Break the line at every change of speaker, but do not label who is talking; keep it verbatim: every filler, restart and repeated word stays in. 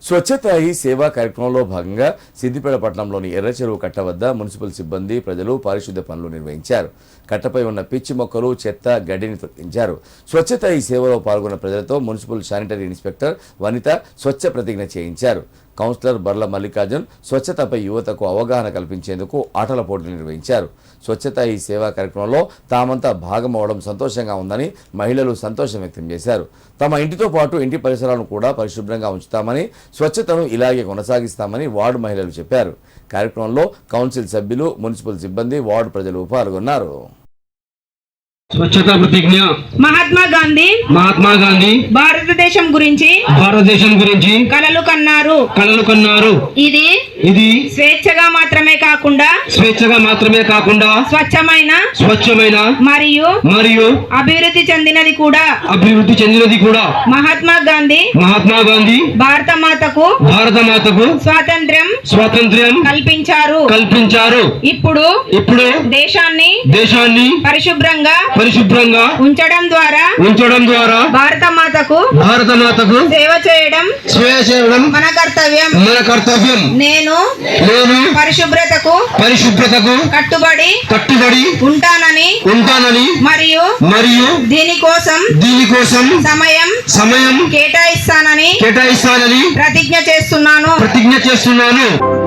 స్వచ్ఛత హీ సేవా కార్యక్రమంలో భాగంగా సిద్దిపేట పట్టణంలోని ఎర్రచెరువు కట్ట వద్ద మున్సిపల్ సిబ్బంది ప్రజలు పారిశుద్ధ్య పనులు నిర్వహించారు. కట్టపై ఉన్న పిచ్చి మొక్కలు, చెత్త, గడ్డిని తొలగించారు. స్వచ్ఛత హీ సేవలో పాల్గొన్న ప్రజలతో మున్సిపల్ శానిటరీ ఇన్స్పెక్టర్ వనిత స్వచ్ఛ ప్రతిజ్ఞ చేయించారు. కౌన్సిలర్ బర్ల మల్లికార్జున్ స్వచ్ఛతపై యువతకు అవగాహన కల్పించేందుకు ఆటల పోటీలు నిర్వహించారు. స్వచ్ఛత ఈ సేవా కార్యక్రమంలో తామంతా భాగమవడం సంతోషంగా ఉందని మహిళలు సంతోషం వ్యక్తం చేశారు. తమ ఇంటితో పాటు ఇంటి పరిసరాలను కూడా పరిశుభ్రంగా ఉంచుతామని, స్వచ్ఛతను ఇలాగే కొనసాగిస్తామని వార్డు మహిళలు చెప్పారు. కార్యక్రమంలో కౌన్సిల్ సభ్యులు, మున్సిపల్ సిబ్బంది, వార్డు ప్రజలు పాల్గొన్నారు.
స్వచ్ఛతా ప్రతిజ్ఞ.
మహాత్మా గాంధీ
మహాత్మా గాంధీ
భారతదేశం గురించి
భారతదేశం గురించి
కలలు కన్నారు
కలలు కన్నారు
ఇది
ఇది
స్వేచ్ఛగా మాత్రమే కాకుండా
స్వేచ్ఛగా మాత్రమే కాకుండా
స్వచ్ఛమైన
స్వచ్ఛమైన
మరియు
మరియు
అభివృద్ధి చెందినది కూడా
అభివృద్ధి చెందినది కూడా
మహాత్మా గాంధీ
మహాత్మా గాంధీ
భారత మాతకు
భారత మాతకు
స్వాతంత్ర్యం
స్వాతంత్ర్యం
కల్పించారు
కల్పించారు
ఇప్పుడు
ఇప్పుడు
దేశాన్ని
దేశాన్ని
పరిశుభ్రంగా
పరిశుభ్రంగా
ఉంచడం ద్వారా
ఉంచడం ద్వారా
భారత మాతకు
భారత మాతకు
సేవ చేయడం
సేవ చేయడం
మన కర్తవ్యం
మన కర్తవ్యం.
నేను
నేను
పరిశుభ్రతకు
పరిశుభ్రతకు
కట్టుబడి
కట్టుబడి
ఉంటానని
ఉంటానని
మరియు
మరియు
దీనికోసం
దీనికోసం
సమయం
సమయం
కేటాయిస్తానని
కేటాయిస్తానని
ప్రతిజ్ఞ చేస్తున్నాను
ప్రతిజ్ఞ చేస్తున్నాను.